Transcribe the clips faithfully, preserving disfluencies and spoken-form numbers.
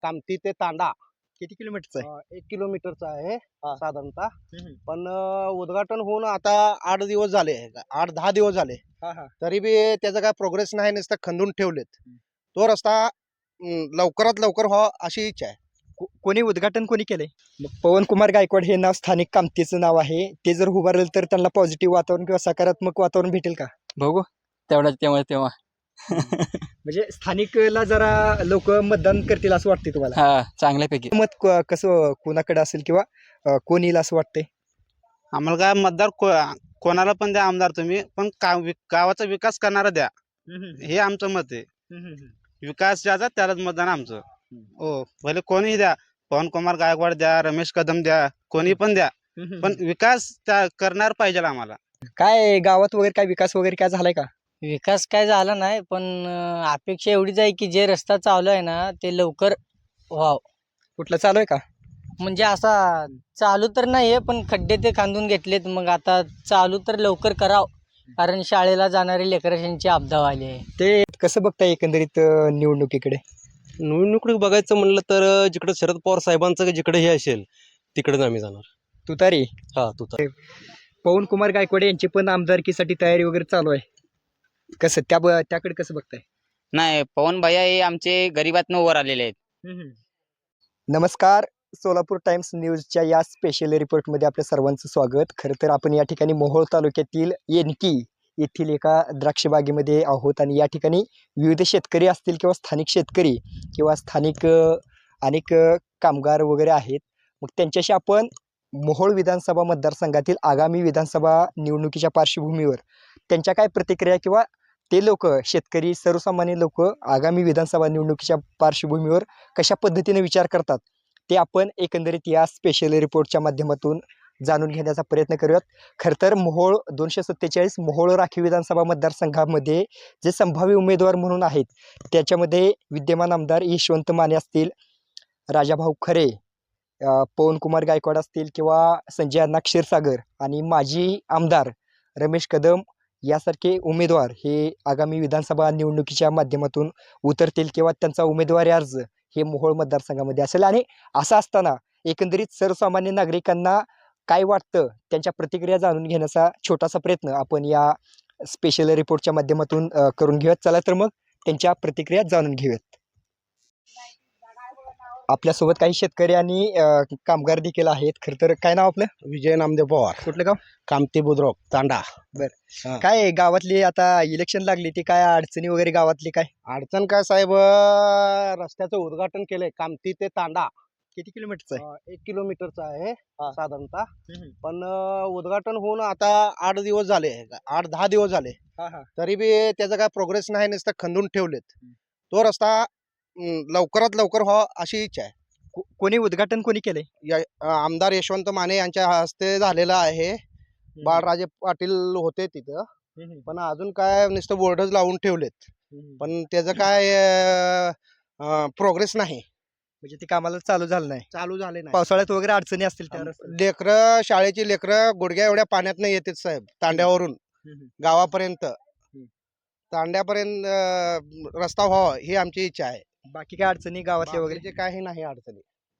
कामती ते तांडा किती किलोमीटरचा आहे? अं, एक किलोमीटरचा आहे हा. साधारणतः. हम्म. पण अं, उद्घाटन होऊन आता आठ दिवस झाले, आठ दहा दिवस झाले, हा हा तरी बी त्याचा काय प्रोग्रेस नाही, नुसतं खंदून ठेवलेत. हम्म. तो रस्ता अं, लवकरात लवकर व्हावा अशी इच्छा आहे. को- कोणी उद्घाटन कोणी केलंय? मग पवन कुमार गायकवाड हे नाव स्थानिक कामतीचं नाव आहे. ते जर उभारलं तर त्यांना पॉझिटिव्ह वातावरण किंवा सकारात्मक वातावरण भेटेल का? बघू तेवढा तेव्हा तेव्हा म्हणजे स्थानिकला जरा लोक मतदान करतील असं वाटतंय तुम्हाला? हा चांगल्यापैकी. मत क- कसं कोणाकडे असेल किंवा अं, कोण येईल असं वाटतंय? आम्हाला काय मतदार कोणाला पण द्या आमदार तुम्ही, पण गावाचा विकास करणारा द्या, हे आमचं मत आहे. विकास ज्याचा त्यालाच मतदान आमचं. हो, भले कोणीही द्या, पवन कुमार गायकवाड द्या, रमेश कदम द्या, कोणी पण द्या, पण विकास त्या करणार पाहिजे आम्हाला. काय गावात वगैरे काय विकास वगैरे काय झालाय का? विकास काय झाला नाही, पण अं, अपेक्षा एवढीच आहे की जे रस्ता चालू आहे ना ते लवकर व्हावं. कुठलं चालू आहे का? म्हणजे असा चालू तर नाही आहे, पण खड्डे ते खांदून घेतलेत. मग आता चालू तर लवकर करावं, कारण शाळेला जाणारे लेकरांची आपदा आली आहे. ते कसं बघताय एकंदरीत अं, निवडणुकीकडे? निवडणुकीकडे बघायचं म्हणलं तर जिकडे शरद पवार साहेबांचं जिकडे हे असेल तिकडेच आम्ही जाणार. तुतारी. हा तू तर पवन कुमार गायकवाड यांची पण आमदारकीसाठी तयारी वगैरे चालू आहे. कसं त्या ब- त्याकडे कसं बघताय? नाही, पवन भैया हे आमचे गरिबातनं वर आलेले आहेत. नमस्कार, सोलापूर टाइम्स न्यूजच्या या स्पेशल रिपोर्टमध्ये आपल्या सर्वांचं स्वागत. खरं तर आपण या ठिकाणी मोहोळ तालुक्यातील येनकी येथील एका द्राक्ष बागेमध्ये आहोत आणि या ठिकाणी विविध शेतकरी असतील किंवा स्थानिक शेतकरी किंवा स्थानिक अ, अनेक अ, कामगार वगैरे आहेत. मग त्यांच्याशी आपण मोहोळ विधानसभा मतदारसंघातील आगामी विधानसभा निवडणुकीच्या पार्श्वभूमीवर त्यांच्या काय प्रतिक्रिया किंवा ते लोक शेतकरी सर्वसामान्य लोक आगामी विधानसभा निवडणुकीच्या पार्श्वभूमीवर कशा पद्धतीने विचार करतात ते आपण एकंदरीत या स्पेशल रिपोर्टच्या माध्यमातून जाणून घेण्याचा प्रयत्न करूयात. खरं तर मोहोळ दोनशे सत्तेचाळीस मोहोळ राखीव विधानसभा मतदारसंघामध्ये जे संभाव्य उमेदवार म्हणून आहेत त्याच्यामध्ये विद्यमान आमदार यशवंत माने असतील, राजाभाऊ खरे, अ, पवन कुमार गायकवाड असतील किंवा संजय अण्णा क्षीरसागर आणि माजी आमदार रमेश कदम यासारखे उमेदवार हे आगामी विधानसभा निवडणुकीच्या माध्यमातून उतरतील किंवा त्यांचा उमेदवारी अर्ज हे मोहोळ मतदारसंघामध्ये असेल. आणि असं असताना एकंदरीत सर्वसामान्य नागरिकांना काय वाटतं त्यांच्या प्रतिक्रिया जाणून घेण्याचा छोटासा प्रयत्न आपण या स्पेशल रिपोर्टच्या माध्यमातून अ, करून घेऊयात. चला तर मग त्यांच्या प्रतिक्रिया जाणून घेऊयात. आपल्यासोबत काही शेतकरी आणि अ, कामगार देखील आहेत. खरं तर काय नाव आपलं? विजय नामदेव पवार, कुठलं गाव? कामती बुद्रुक तांडा. हा. काय गावातली आता इलेक्शन लागली ती काय अडचणी वगैरे गावातली काय? अडचण काय साहेब, अं, रस्त्याचं उद्घाटन केलंय कामती ते तांडा. किती किलोमीटरचं आहे? अं, एक किलोमीटरचा आहे हा. साधारणतः. हम्म. पण अं, उद्घाटन होऊन आता आठ दिवस झाले, आठ दहा दिवस झाले, हा हा तरी बी त्याचा काय प्रोग्रेस नाही, नुसतं खंदून ठेवलेत. हम्म. तो रस्ता अं, लवकरात लवकर व्हावा अशी इच्छा आहे. को- कोणी उद्घाटन कोणी केलंय? या अं, आमदार यशवंत माने यांच्या हस्ते झालेला आहे. बाळराजे पाटील होते तिथं, पण अजून काय नुसतं बोर्डच लावून ठेवलेत, पण त्याचं काय प्रोग्रेस नाही, म्हणजे ते कामाला चालू झालं नाही. चालू झाले नाही. पावसाळ्यात वगैरे अडचणी असतील त्या रस्त्याला. लेकरं, शाळेची लेकरं गुडघ्या एवढ्या पाण्यात येतात साहेब, तांड्यावरून हम्म. गावापर्यंत, तांड्यापर्यंत अं, रस्ता व्हावा ही आमची इच्छा आहे. बाकी काय अडचणी गावातल्या वगैरे? बाकीचे काही नाही अडचणी.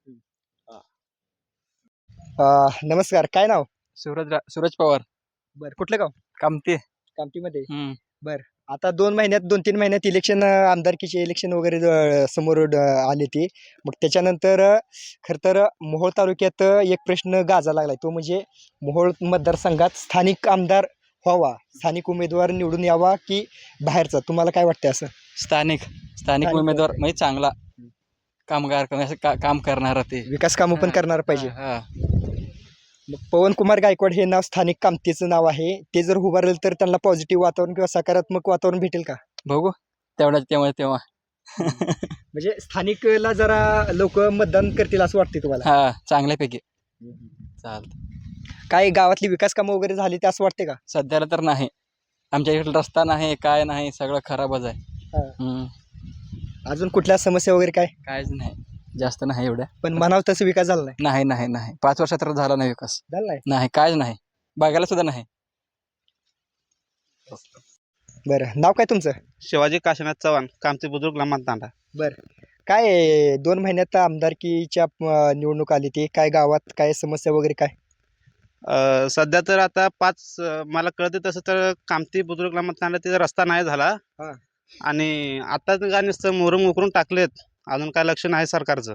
अं, नमस्कार, काय नाव? सूरज रा- सूरज पवार बर, कुठलं गाव? कामते. कामतीमध्ये. हम्म. आता दोन महिन्यात दोन तीन महिन्यात इलेक्शन, आमदारकीचे इलेक्शन वगैरे अं, समोर अं, आले ते. मग त्याच्यानंतर अं, खरं तर मोहोळ तालुक्यात अं, एक प्रश्न गाजा लागलाय, तो म्हणजे मोहोळ मतदारसंघात स्थानिक आमदार व्हावा, स्थानिक उमेदवार निवडून यावा की बाहेरचा? तुम्हाला काय वाटतंय असं? स्थानिक स्थानिक स्थानिक उमेदवार वाटतंय. म्हणजे चांगला कामगार असं का- काम करणारा ते विकास कामं पण हा, करणार पाहिजे. हा, हा. मग पवन कुमार गायकवाड हे नाव स्थानिक कामतीचं नाव आहे. ते जर उभारलं तर त्यांना पॉझिटिव्ह वातावरण किंवा सकारात्मक वातावरण भेटेल का? बघू तेवढा तेव्हा तेव्हा म्हणजे स्थानिकला जरा लोक मतदान करतील असं वाटतंय तुम्हाला? हा चांगल्यापैकी. चालतं. काय गावातली विकास कामं वगैरे झाली ते असं वाटते का? सध्याला तर नाही, आमच्या इकडे रस्ता नाही, काय नाही, सगळं खराबच आहे. हा. हम्म. अजून कुठल्या समस्या वगैरे काय? काहीच नाही, जास्त नाही एवढ्या. पण म्हणावं तसं विकास झाला नाही. नाही नाही नाही पाच वर्षात तर झाला नाही विकास. झाला नाही. नाही, काहीच नाही, बघायला सुद्धा नाही. बरं, नाव काय तुमचं? शिवाजी काशीनाथ चव्हाण, कामती बुद्रुक लहान तांडा. बरं, काय आहे, दोन महिन्यात आमदारकीच्या अं, निवडणूक आली ती काय गावात काय समस्या वगैरे काय? अ, सध्या तर आता पाच अ, मला कळते तसं तर कामती बुद्रुक मतदानाला तिथं रस्ता नाही झाला. हा. आणि आता काय नुसतं मोहरम उकरून टाकलेत, अजून काय लक्ष नाही सरकारचं.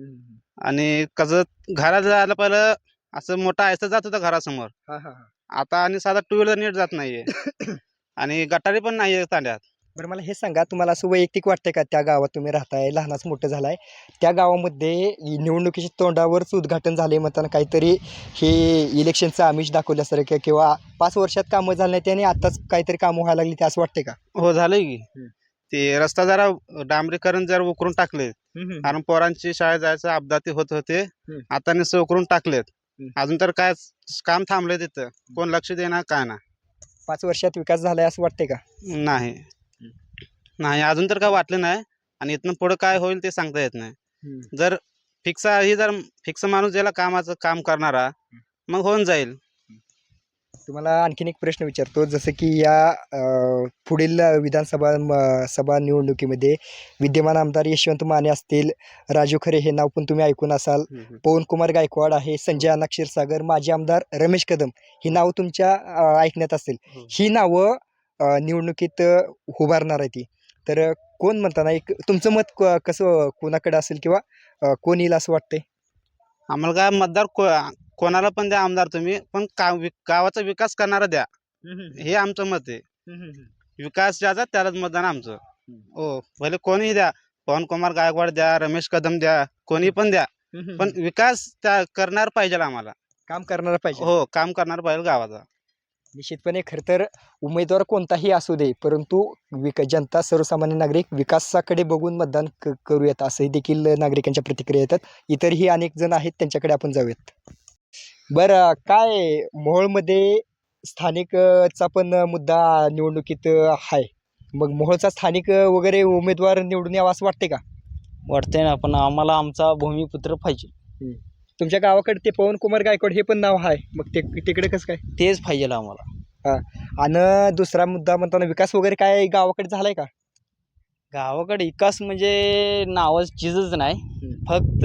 आणि कसं घरात जायला पहिलं असं मोठा आयसं जात होता घरासमोर, हा हा हा. आता आणि साधा टू व्हीलर नीट जात नाहीये. आणि गटारी पण नाहीये तांड्यात. बरं मला हे सांगा, तुम्हाला असं वैयक्तिक वाटतंय का त्या गावात तुम्ही राहताय, लहानाच मोठं झालाय, त्या गावामध्ये इ- निवडणुकीच्या तोंडावरच उद्घाटन झाले म्हणताना काहीतरी हे इलेक्शनचं आमिष दाखवल्यासारखं किंवा पाच वर्षात कामं झाली नाही आणि आताच काहीतरी कामं व्हायला लागली ते असं वाटतंय का? हो झालंय की. हम्म. ते रस्ता जरा डांबरीकरण जरा उकरून टाकले, कारण पोरांची शाळेत जायचं अपघाती होत होते. हम्म. आता नुसतं उकरून टाकलेत. हम्म. अजून तर काय काम थांबले तिथं, कोण लक्ष देणार काय ना. पाच वर्षात विकास झालाय असं वाटतंय का? नाही नाही अजून तर काय वाटलं नाही. आणि इथनं पुढं काय होईल ते सांगता येत नाही. जर फिक्स ही जर फिक्स माणूस ज्याला कामाचं काम करणारा, मग होऊन जाईल. तुम्हाला आणखीन एक प्रश्न विचारतो, जसं की या अ, पुढील विधानसभा म- सभा निवडणुकीमध्ये विद्यमान आमदार यशवंत माने असतील, राजू खरे हे नाव पण तुम्ही ऐकून असाल, पवन कुमार गायकवाड आहे, संजय अण्णा क्षीरसागर, माजी आमदार रमेश कदम ही नावं तुमच्या अ, ऐकण्यात असेल. हो. ही नावं अ, निवडणुकीत अ, उभारणार आहे ती, तर अ, कोण म्हणताना एक तुमचं मत क- कसं कोणाकडे असेल किंवा अ, कोण येईल असं वाटतंय? आम्हाला काय मतदार को कोणाला पण द्या आमदार तुम्ही, पण का वि- गावाचा विकास करणारा द्या, हे आमचं मत आहे. विकास ज्याचा त्यालाच मतदान आमचं. हो भले कोणीही द्या, पवन कुमार गायकवाड द्या, रमेश कदम द्या, कोणी पण द्या, पण विकास त्या करणार पाहिजे आम्हाला. काम करणारा पाहिजे. हो काम करणार पाहिजे गावाचा. निश्चितपणे खरं तर उमेदवार कोणताही असू दे, परंतु विक जनता सर्वसामान्य नागरिक विकासाकडे बघून मतदान क करूयात असंही देखील नागरिकांच्या प्रतिक्रिया येतात. इतरही अनेक जण आहेत, त्यांच्याकडे आपण जाऊयात. बरं काय मोहोळमध्ये स्थानिक अ, चा पण मुद्दा निवडणुकीत अ, आहे. मग मोहोळचा स्थानिक अ, वगैरे उमेदवार निवडून यावा असं वाटते का? वाटतंय ना, पण आम्हाला आमचा भूमिपुत्र पाहिजे. तुमच्या गावाकडे ते पवन कुमार गायकवाड हे पण नाव आहे, मग ते तिकडे कसं काय? तेच पाहिजे आम्हाला. आणि दुसरा मुद्दा म्हणताना विकास वगैरे काय गावाकडे झालाय का? गावाकडे विकास म्हणजे नावाच चीजच नाही, फक्त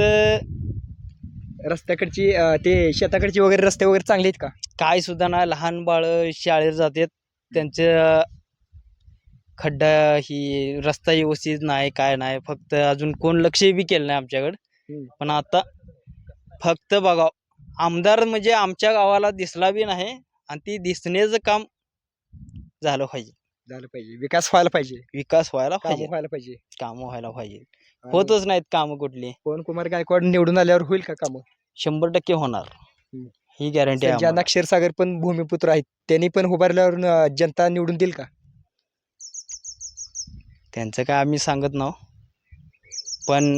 रस्त्याकडची अ, ते शेताकडची वगैरे रस्ते वगैरे चांगले आहेत का? काय सुद्धा नाही. लहान बाळं शाळेत जातात, त्यांचं खड्डा ही रस्ता व्यवस्थित नाही, काय नाही. फक्त अजून कोण लक्ष बी केलं नाही आमच्याकडं. हम्म. पण आता फक्त बघा, आमदार म्हणजे आमच्या गावाला दिसला बी नाही, आणि ती दिसण्याचं काम झालं पाहिजे. झालं पाहिजे, विकास व्हायला पाहिजे, विकास व्हायला काम पाहिजे, व्हायला पाहिजे. कामं व्हायला पाहिजे. आणि होतच नाहीत कामं कुठली. पवन कुमार गायकवाड निवडून आल्यावर होईल का काम? शंभर टक्के होणार, हम्म. ही गॅरंटी आहे संजय अण्णा आम्हाला. क्षीरसागर पण भूमिपुत्र आहेत, त्यांनी पण उभारल्यावर अ, जनता निवडून देईल का? त्यांचं काय आम्ही सांगत नाहो, पण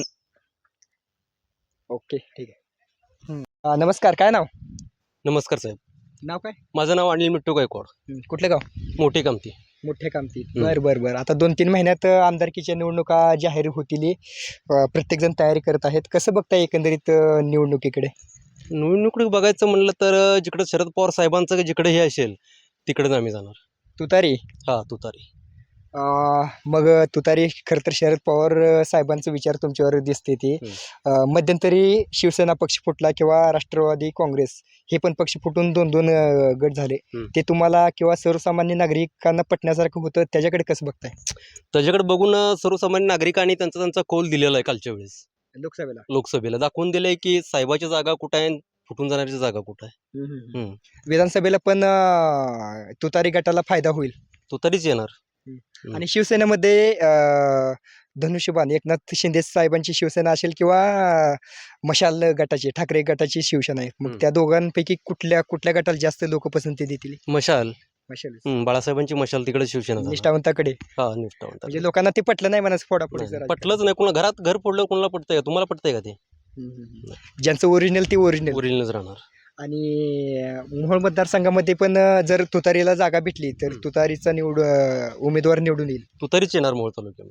ओके ठीक आहे. अ, नमस्कार, काय नाव? नमस्कार साहेब, नाव काय? माझं नाव अनिल मिट्टू गायकवाड, हं, कुठलं गाव? मोठी कामती. मोठ्या कामती. हं. बर बर बर आता दोन तीन महिन्यात अ, आमदारकीच्या निवडणुका जाहीर होतील. प्रत्येक जण तयारी करत आहेत. कसं बघताय एकंदरीत अ, निवडणुकीकडे? निवडणुकीकडे बघायचं म्हणलं तर अं, जिकडं शरद पवार साहेबांचं जिकडे हे असेल तिकडेच आम्ही जाणार. तुतारी हा तुतारी. अ, मग तुतारी खरं तर शरद पवार अ, साहेबांचा विचार तुमच्यावर दिसते ते. हं. अ, मध्यंतरी शिवसेना पक्ष फुटला किंवा राष्ट्रवादी काँग्रेस हे पण पक्ष फुटून दोन दोन अ, गट झाले. हं. ते तुम्हाला किंवा सर्वसामान्य नागरिकांना पटण्यासारखं होतं, त्याच्याकडे कसं बघताय? त्याच्याकडे बघून अं, सर्वसामान्य नागरिकांनी त्यांचा त्यांचा कौल दिलेला आहे कालच्या वेळेस लोकसभेला. लोकसभेला दाखवून दिलंय की साहेबाची जागा कुठं आहे, फुटून जाण्याची जागा कुठं आहे. हं. विधानसभेला पण अ, तुतारी गटाला फायदा होईल. तुतारीच येणार. हं. आणि शिवसेनेमध्ये अ, धनुष्यबाण एकनाथ शिंदे साहेबांची शिवसेना असेल किंवा अ, मशाल गटाची ठाकरे गटाची शिवसेना आहे. मग हं. त्या दोघांपैकी कुठल्या कुठल्या गटाला जास्त लोक पसंती देतील? मशाल. मशाल. हं, बाळासाहेबांची मशाल तिकडे शिवसेना जाणार. निष्ठावंताकडे. हा निष्ठावंत. म्हणजे लोकांना ते पटलं नाही म्हणा फोडाफोडी नाही, जरा. पटलंच नाही. कोणा घरात घर फोडलं कोणाला पटतंय का? तुम्हाला पटतंय का ते? ज्यांचं ओरिजिनल ते ओरिजिनल. ओरिजिनलच राहणार. आणि अ, मोहोळ मतदारसंघामध्ये पण अ, जर तुतारीला जागा भेटली तर हं. तुतारीचा निवड अ, उमेदवार निवडून येईल. तुतारीच येणार मोहोळ तालुक्यामध्ये.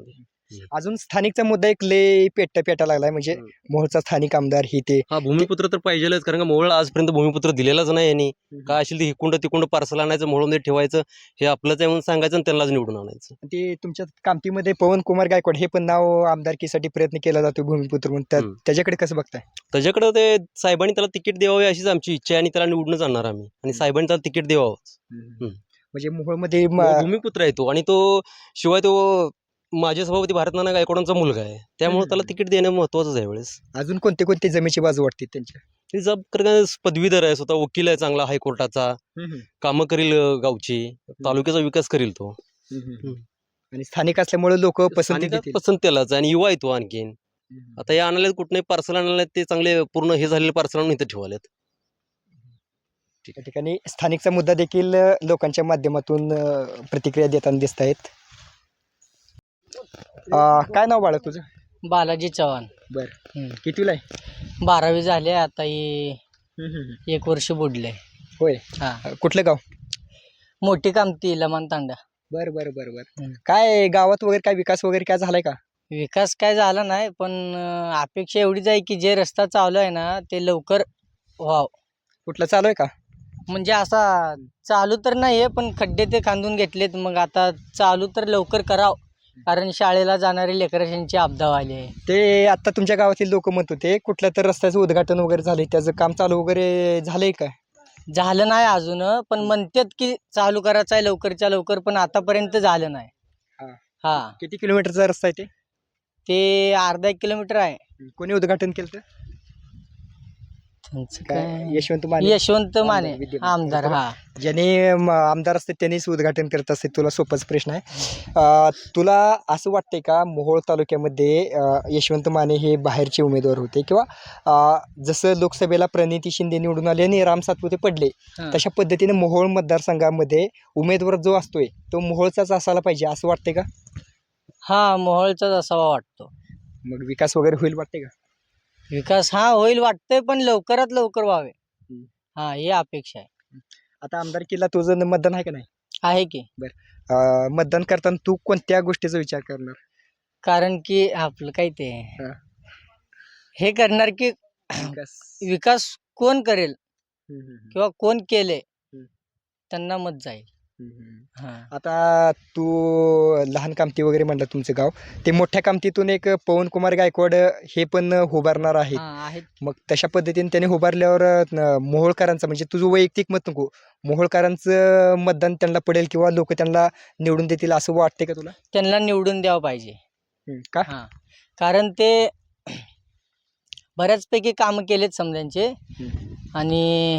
अजून स्थानिकचा मुद्दा एक लय पेट पेटा लागलाय म्हणजे हम्म. मोहोळचा स्थानिक आमदार ही ते हा भूमिपुत्र तर पाहिजेलच, कारण का मोहोळ आजपर्यंत भूमिपुत्र दिलेलाच नाही यांनी. काय असेल ते हिकुंड तिकुंड पार्सल आणायचं, मोहोळमध्ये ठेवायचं, हे आपलंच आहे म्हणून सांगायचं आणि त्यांनाच निवडून आणायचं. ते तुमच्या कामतीमध्ये पवन कुमार गायकवाड हे पण नाव आमदारकीसाठी प्रयत्न केला जातो भूमिपुत्र म्हणून त्या- हम्म. त्याच्याकडे कसं बघताय? त्याच्याकडे ते साहेबांनी त्याला तिकीट द्यावे अशीच आमची इच्छा आहे आणि त्याला निवडूनच आणणार आम्ही, आणि साहेबांनी त्याला तिकीट द्यावं. म्हणजे मोहोळमध्ये म- भूमिपुत्र आहे तो, आणि तो शिवाय तो माजी सभापती भारतनाना गायकवाडांचा मुलगा आहे, त्यामुळे हम्म. त्याला तिकीट देणं महत्वाचं आहे यावेळेस. अजून कोणते कोणते जमेची बाजू वाटते त्यांच्या? ते जब कारण का पदवीधर आहे, स्वतः वकील आहे चांगला हायकोर्टाचा, कामं करील अं, गावची, तालुक्याचा विकास करील तो. आणि स्थानिक असल्यामुळे लोक पसंती स्थानिकात देतील. पसंत त्यालाच आहे, आणि युवा आहे तो आणखीन. आता हे आणले कुठे पार्सल आणले ते चांगले पूर्ण हे झालेले पार्सल आणून इथं ठेवालेत. त्या ठिकाणी स्थानिकचा मुद्दा देखील अ, लोकांच्या माध्यमातून अ, प्रतिक्रिया देताना दिसत आहेत. काय नाव बाळा तुझं? बालाजी चव्हाण. बर हम्म. कितीला आहे? बारावी झाले आता ही एक वर्ष बुडले. होय. हा अ, कुठलं गाव? मोठी कामती लमान तांडा. बर बर बर बर हम्म. काय गावात वगैरे काय विकास वगैरे काय झालाय का? विकास काय झाला नाही, पण अं, अपेक्षा एवढीच आहे की जे रस्ता चालू आहे ना ते लवकर व्हाव. कुठलं चालू आहे का? म्हणजे असा चालू तर नाही आहे, पण खड्डे ते खांदून घेतलेत, मग आता चालू तर लवकर कराव, कारण शाळेला जाणारे लेकरांची आपदा आली आहे. ते आता तुमच्या गावातील लोक म्हणत होते कुठल्या तर रस्त्याचं उद्घाटन वगैरे झालंय, त्याचं काम चालू वगैरे झालंय का? झालं नाही अजून, पण म्हणतात की चालू करायचं आहे लवकरच्या लवकर, पण आतापर्यंत झालं नाही. हा. हा किती किलोमीटरचा रस्ता आहे ते? ते अर्धा एक किलोमीटर आहे. कोणी उद्घाटन केलं तर? त्यांचं काय काय यशवंत माने यशवंत माने आमदार, विद्यमान. आमदार. हा ज्याने म, आमदार असते त्यांनीच उद्घाटन करत असते. तुला सोपाच प्रश्न आहे. अ, तुला असं वाटतंय का मोहोळ तालुक्यामध्ये अ, यशवंत माने हे बाहेरचे उमेदवार होते, किंवा अ, जसं लोकसभेला प्रणिती शिंदे निवडून आले आणि राम सातपुते पडले, हा. तशा पद्धतीने मोहोळ मतदारसंघामध्ये उमेदवार जो असतोय तो मोहोळचाच असायला पाहिजे असं वाटतंय का? हा मोहोळचाच असावा वाटतो. मग विकास वगैरे होईल वाटते का? विकास हा होईल वाटतंय, पण लवकरात लवकर व्हावे. हम्म. हा ही अपेक्षा आहे. आता आमदारकीला तुझं मतदान आहे का नाही? आहे की, अ, मतदान करताना तू कोणत्या गोष्टीचा विचार करणार? कारण की आपलं काय ते हा. हे करणार की विकास. विकास कोण करेल हम्म, हम्म, हम्म. किंवा कोण केले हम्म. त्यांना मत जाईल. हम्म, हम्म. हा आता तू लहान कामती वगैरे म्हणलं तुमचं गाव, ते मोठ्या कामतीतून एक पवन कुमार गायकवाड हे पण उभारणार आहेत. हा, आहेत. मग तशा पद्धतीने त्याने उभारल्यावर न- मोहोळकरांचं म्हणजे तुझं वैयक्तिक मत नको, मोहोळकरांचं मतदान त्यांना पडेल किंवा लोक त्यांना निवडून देतील असं वाटते का तुला? त्यांना निवडून द्यावं पाहिजे. हम्म. का? हा कारण ते बऱ्याचपैकी कामं केलेत समजांचे, हम्म. आणि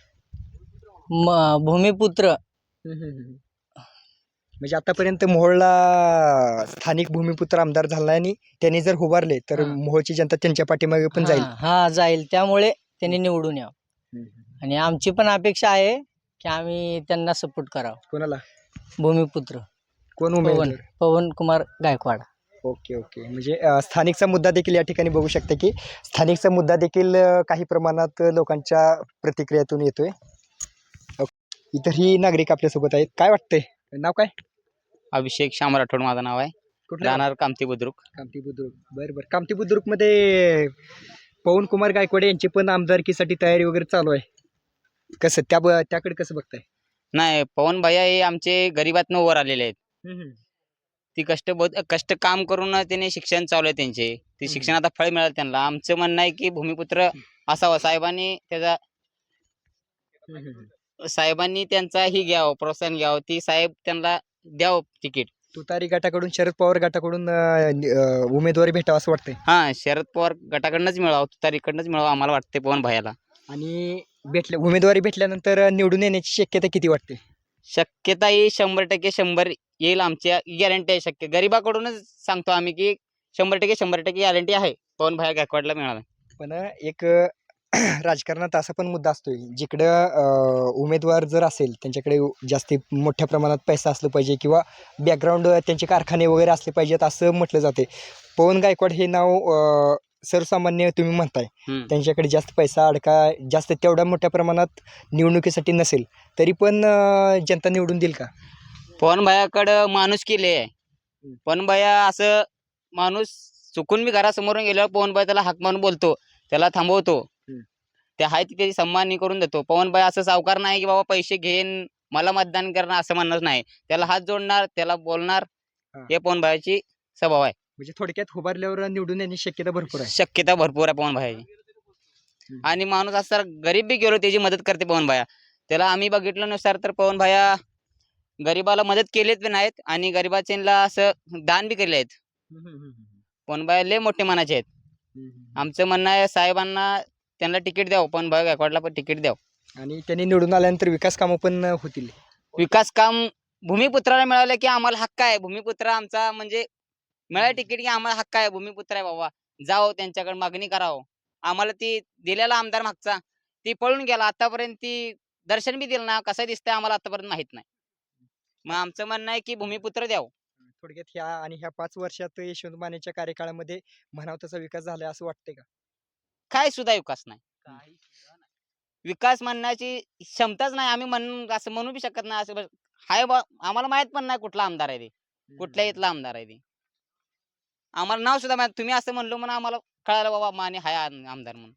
म भूमिपुत्र हम्म, हम्म, हम्म. म्हणजे आतापर्यंत मोहोळला स्थानिक भूमिपुत्र आमदार झाला आणि त्यांनी जर उभारले तर हा. मोहोळची जनता त्यांच्या पाठीमागे पण जाईल. हा हा, जाईल. त्यामुळे त्यांनी निवडून यावं, हम्म. आणि आमची पण अपेक्षा आहे की आम्ही त्यांना सपोर्ट करावं. कोणाला? भूमिपुत्र कोण पवन उमेदवार? पवन कुमार गायकवाड. Okay okay. म्हणजे अ, स्थानिकचा मुद्दा देखील या ठिकाणी बघू शकता की स्थानिकचा मुद्दा देखील अ, काही प्रमाणात लोकांच्या प्रतिक्रियातून येतोय. ओके. इतरही नागरिक आपल्यासोबत आहेत. काय वाटतंय? नाव काय? अभिषेक श्याम राठोड माझं नाव आहे, कुठलं? राहणार कामती बुद्रुक. कामती बुद्रुक. बरं बरं. कामती बुद्रुकमध्ये पवन कुमार गायकवाड यांची पण आमदारकीसाठी तयारी वगैरे चालू आहे. कसं त्या ब- त्याकडे कसं बघताय? नाही, पवन भैया हे आमचे गरिबातनं वर आलेले आहेत. ती कष्ट बहुत कष्ट काम करून त्याने शिक्षण चालू आहे त्यांचे, ते हम्म. शिक्षण आता फळ मिळालं त्यांना. आमचं म्हणणं आहे की भूमिपुत्र असावा, साहेबांनी त्याचा साहेबांनी त्यांचा ही घ्यावं, प्रोत्साहन घ्यावं, ती साहेब त्यांना द्यावं तिकीट. तुतारी गटाकडून शरद पवार गटाकडून अ, नि- अ, उमेदवारी भेटावं असं वाटतंय. हा, शरद पवार गटाकडनंच मिळावं, तुतारीकडनंच मिळावं आम्हाला वाटते पवन भैयाला. आणि भेटल्या उमेदवारी भेटल्यानंतर निवडून येण्याची शक्यता किती वाटते? शक्यता ही शंभर टक्के शंभर येईल, आमच्या गॅरंटी आहे. शक्य गरिबाकडूनच सांगतो आम्ही की शंभर टक्के शंभर टक्के गॅरंटी आहे पवन भैया गायकवाडला मिळाला. पण एक अ, राजकारणात असा पण मुद्दा असतोय जिकडं अ, उमेदवार जर असेल त्यांच्याकडे जास्ती मोठ्या प्रमाणात पैसा असलं पाहिजे किंवा बॅकग्राऊंड त्यांचे कारखाने वगैरे असले पाहिजेत असं म्हटलं जाते. पवन गायकवाड हे नाव अ, सर्वसामान्य तुम्ही म्हणताय, हम्म. त्यांच्याकडे जास्त पैसा अडका जास्त तेवढ्या मोठ्या प्रमाणात निवडणुकीसाठी नसेल तरी पण अ, जनता निवडून देईल का? पवन भैयाकडं माणूस केले आहे. पवन भैया असं माणूस चुकून मी घरासमोरून गेल्यावर पवनबाई त्याला हाक मारून बोलतो, त्याला थांबवतो. हम्म. ते आहे तिथे सन्मान करून देतो. पवनबाई असं सावकार नाही की बाबा पैसे घेईन मला मतदान करणार असं म्हणणार नाही. त्याला हात जोडणार, त्याला बोलणार. हा. हे पवनबाईची स्वभाव आहे. म्हणजे थोडक्यात उभारल्यावर निवडून येण्याची शक्यता भरपूर आहे. शक्यता भरपूर आहे पवनबाईची. हम्म. आणि माणूस असं गरीब बी गेलो त्याची मदत करते पवनबाया. त्याला आम्ही बघितल्यानुसार तर पवनबाया गरीबाला मदत केलीत बी नाहीत आणि गरीबाचीला असं दान बी केले आहेत. हम्म, हम्म, हम्म, पवनबाया लय मोठे मनाचे आहेत. हम्म, हम्म. आमचं म्हणणं आहे साहेबांना त्यांना तिकीट द्यावं, पवनबाई गायकवाडला पण तिकीट द्यावं. आणि त्यांनी निवडून आल्यानंतर विकास कामं पण होतील. विकास काम भूमिपुत्राला मिळालं की आम्हाला हक्क आहे. भूमिपुत्र आमचा म्हणजे मिळालं तिकीट की आम्हाला हक्क आहे. भूमिपुत्र आहे बाबा, जाओ त्यांच्याकडे मागणी करावं. आम्हाला ती दिलेला आमदार मागचा ती पळून गेला, आतापर्यंत ती दर्शन बी दिलं ना, कसं दिसतंय आम्हाला आतापर्यंत माहित नाही. मग आमचं म्हणणं आहे की भूमिपुत्र द्यावं. थोडक्यात ह्या आणि ह्या पाच वर्षात यशवंत मानेच्या कार्यकाळामध्ये म्हणावा तसा विकास झाला असं वाटतंय का? काय सुद्धा विकास नाही. विकास म्हणण्याची क्षमताच नाही. आम्ही म्हण असं म्हणू बी शकत नाही. असं बस- हाय बा, आम्हाला माहित पण नाही कुठला आमदार आहे ते, कुठल्या इथला आमदार आहे ते. आम्हाला नाव सुद्धा माहित. तुम्ही असं म्हणलो म्हणून आम्हाला कळालं बाबा माने हाय आम- आमदार म्हणून.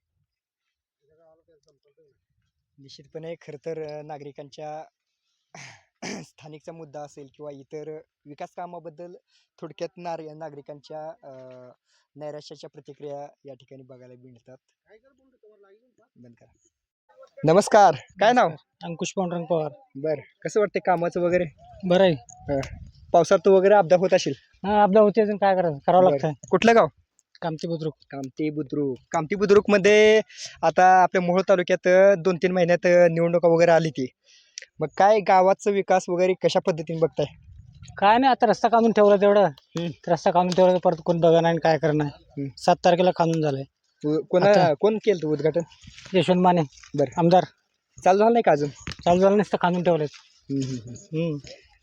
निश्चितपणे खरं तर अ, नागरिकांच्या स्थानिकचा मुद्दा असेल किंवा इतर विकास कामाबद्दल थोडक्यात नार नागरिकांच्या अ, नैराश्याच्या प्रतिक्रिया या ठिकाणी बघायला मिळतात. बंद करा. नमस्कार, काय नाव? अंकुश पांडुरंग पवार. बर, कसं वाटतं कामाचं वगैरे? बरं आहे. पावसात वगैरे अपघात होत असेल? हा आपल्या होते अजून काय करायचं करावं बरं. लागतंय. कुठलं गाव? कामती बुद्रुक. कामती बुद्रुक. कामती बुद्रुक मध्ये आता आपल्या मोहोळ तालुक्यात अ, दोन तीन महिन्यात अ, निवडणुका वगैरे आली ती. मग काय गावाचा विकास वगैरे कशा पद्धतीने बघताय? काय नाही आता रस्ता काढून ठेवला तेवढं. रस्ता काढून ठेवला परत कोण बघा नाही काय करणार. हम्म. सात तारखेला काढून झालंय. उ- कोणा आता- कोण केलं होतं उद्घाटन? यशवंत माने बरं. आमदार. चालू झालं नाही का अजून? चालू झालं नसतं काढून ठेवलंय. हम्म, हम्म, हम्म. हम्म.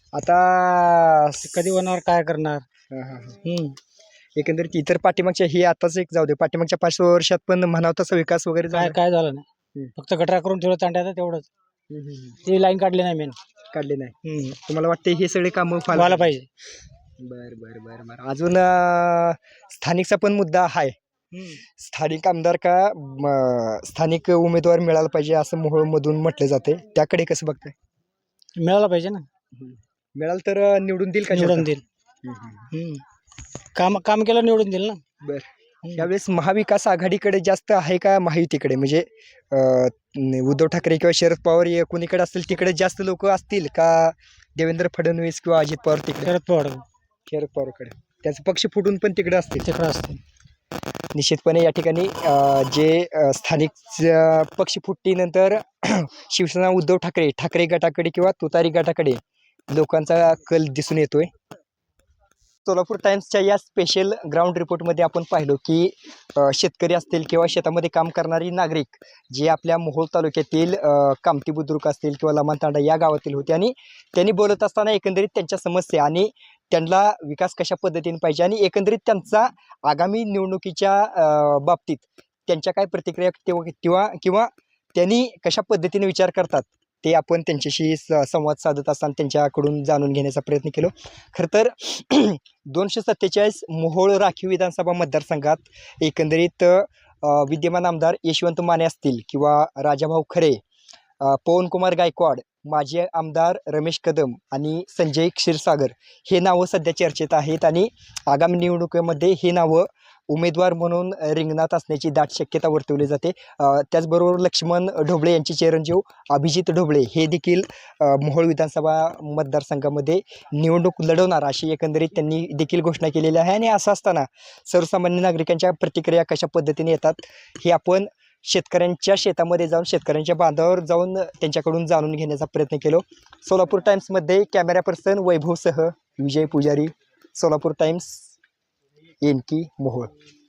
आता ते कधी होणार काय करणार. हा, हा, हा. हम्म. एकंदरीत इतर पाठीमागच्या ही आताच एक जाऊ दे, पाठीमागच्या पाच वर्षात पण म्हणावं तसा विकास वगैरे काय झाला? काय झालं नाही. हम्म. फक्त गटरा करून ठेवलं तांड्याचं तेवढंच. हम्म, हम्म, हम्म. ती लाईन काढली नाही मेन. काढले नाही. तुम्हाला वाटते हे सगळे कामं व्हायला पाहिजे. बर बर बर बर अजून अं, स्थानिकचा पण मुद्दा आहे. स्थानिक आमदार का म, स्थानिक उमेदवार मिळाला पाहिजे असं मोहोळमधून म्हटलं जाते, त्याकडे कसं बघताय? मिळाला पाहिजे ना. मिळालं तर अं, निवडून देईल का निवडून जनता? देईल. हम्म, हम्म. हम्म. काम काम केलं निवडून देईल ना. बर. हम्म. यावेळेस महाविकास आघाडीकडे जास्त आहे का महायुतीकडे? म्हणजे अं, न- उद्धव ठाकरे किंवा शरद पवार हे कोणीकडे असतील तिकडे जास्त लोक असतील का देवेंद्र फडणवीस किंवा अजित पवार तिकडे? शरद पवार शरद पवारकडे त्याचे पक्ष फुटून पण तिकडे असतील. तिकडं असते. निश्चितपणे या ठिकाणी अ, जे अ, स्थानिक ज- पक्ष फुटीनंतर शिवसेना उद्धव ठाकरे ठाकरे गटाकडे किंवा तुतारी गटाकडे लोकांचा कल दिसून येतोय. सोलापूर टाइम्सच्या या स्पेशल ग्राउंड रिपोर्टमध्ये आपण पाहिलो की अ, शेतकरी असतील किंवा शेतामध्ये काम करणारी नागरिक जे आपल्या मोहोळ तालुक्यातील अ, कामती बुद्रुक असतील किंवा लमानतांडा या गावातील होते आणि त्यांनी बोलत असताना एकंदरीत त्यांच्या समस्या आणि त्यांना विकास कशा पद्धतीने पाहिजे आणि एकंदरीत त्यांचा आगामी निवडणुकीच्या अ, बाबतीत त्यांच्या काय प्रतिक्रिया किंवा किंवा किंवा त्यांनी कशा पद्धतीने विचार करतात ते आपण त्यांच्याशी स- संवाद साधत असताना त्यांच्याकडून जाणून घेण्याचा प्रयत्न केलो. खरं तर दोनशे सत्तेचाळीस मोहोळ राखीव विधानसभा मतदारसंघात एकंदरीत अ, विद्यमान आमदार यशवंत माने असतील किंवा राजाभाऊ खरे, अ, पवनकुमार गायकवाड, माजी आमदार रमेश कदम आणि संजय क्षीरसागर हे नावं सध्या चर्चेत आहेत आणि आगामी निवडणुकीमध्ये हे नावं उमेदवार म्हणून अ, रिंगणात असण्याची दाट शक्यता वर्तवली जाते. अ, त्याचबरोबर लक्ष्मण ढोबळे यांचे चिरंजीव अभिजित ढोबळे हे देखील अ, मोहोळ विधानसभा मतदारसंघामध्ये निवडणूक लढवणार अशी एकंदरीत त्यांनी देखील घोषणा केलेली आहे. आणि असं असताना सर्वसामान्य नागरिकांच्या प्रतिक्रिया कशा पद्धतीने येतात हे आपण शेतकऱ्यांच्या शेतामध्ये जाऊन शेतकऱ्यांच्या बांधावर जाऊन त्यांच्याकडून जाणून घेण्याचा प्रयत्न केलो. सोलापूर टाइम्समध्ये कॅमेरा पर्सन वैभवसह विजय पुजारी, सोलापूर टाइम्स, एनकी मोहोळ.